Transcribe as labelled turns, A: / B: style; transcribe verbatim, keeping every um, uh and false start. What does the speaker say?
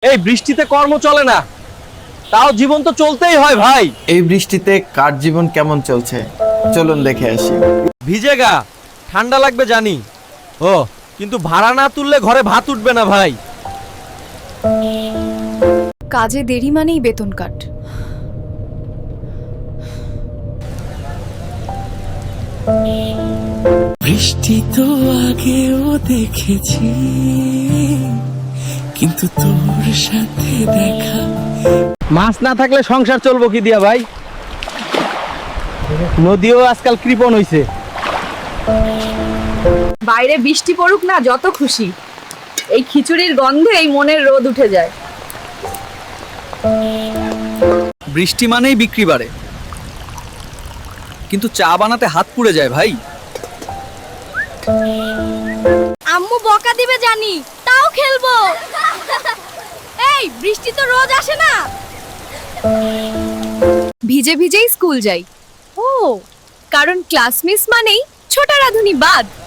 A: এই বৃষ্টিতে কর্ম চলে না, তাও জীবন তো চলতেই হয় ভাই।
B: এই বৃষ্টিতে কার জীবন কেমন চলছে চলুন দেখে আসি।
A: ভিজে গা, ঠান্ডা লাগবে জানি, ও কিন্তু ভাড়া না তুললে ঘরে ভাত উঠবে না ভাই।
C: কাজে দেরি মানেই বেতন কাট।
D: বৃষ্টি তো আগেও দেখেছি, কিন্তু তোর সাথে দেখা।
A: মাছ না থাকলে সংসার চলবো কি দিয়া ভাই? নদীও আজকাল কৃপণ হইছে।
C: বাইরে বৃষ্টি পড়ুক না যত খুশি, এই খিচুড়ির গন্ধে এই মনের রোদ উঠে যায়।
E: বৃষ্টি মানেই বিক্রি বাড়ে, কিন্তু চা বানাতে হাত পুড়ে যায় ভাই।
C: আম্মু বকা দিবে জানি, তাও খেলবো। এই বৃষ্টি তো রোজ আসে না। ভিজে ভিজেই স্কুল যাই। ও কারণ ক্লাস মিস মানেই ছোট রাধুনি বাদ।